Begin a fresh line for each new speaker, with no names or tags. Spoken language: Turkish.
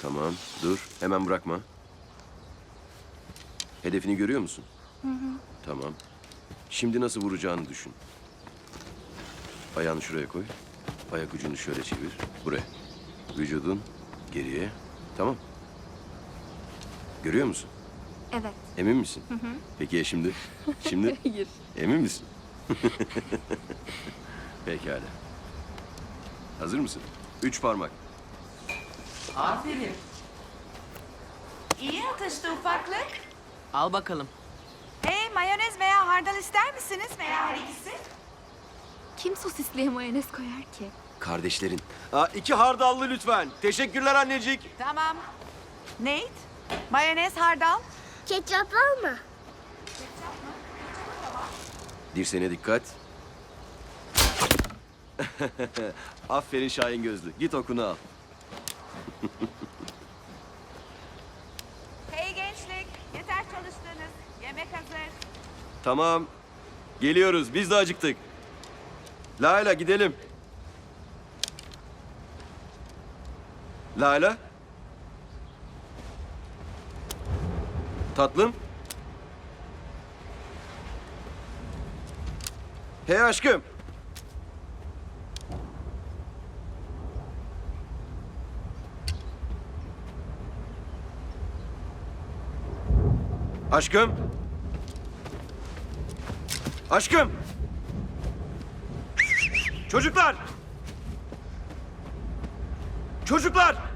Tamam, dur. Hemen bırakma. Hedefini görüyor musun?
Hı hı.
Tamam. Şimdi nasıl vuracağını düşün. Ayağını şuraya koy. Ayak ucunu şöyle çevir. Buraya. Vücudun geriye. Tamam. Görüyor musun?
Evet.
Emin misin?
Hı hı.
Peki ya şimdi? Şimdi
Hayır.
emin misin? Pekala. Hazır mısın? 3 parmak.
Aferin.
İyi atıştı ufaklık.
Al bakalım.
Hey, mayonez veya hardal ister misiniz veya her ikisi?
Kim sosisliye mayonez koyar ki?
Kardeşlerin. 2 hardallı lütfen. Teşekkürler annecik.
Tamam. Nate, mayonez, hardal.
Ketçap var mı?
Dirseğine dikkat. Aferin Şahin Gözlü. Git okunu al.
Hey gençlik, yeter çalıştınız. Yemek hazır.
Tamam. Geliyoruz. Biz de acıktık. Layla gidelim. Layla. Tatlım. Hey aşkım. Aşkım. Aşkım. Çocuklar. Çocuklar.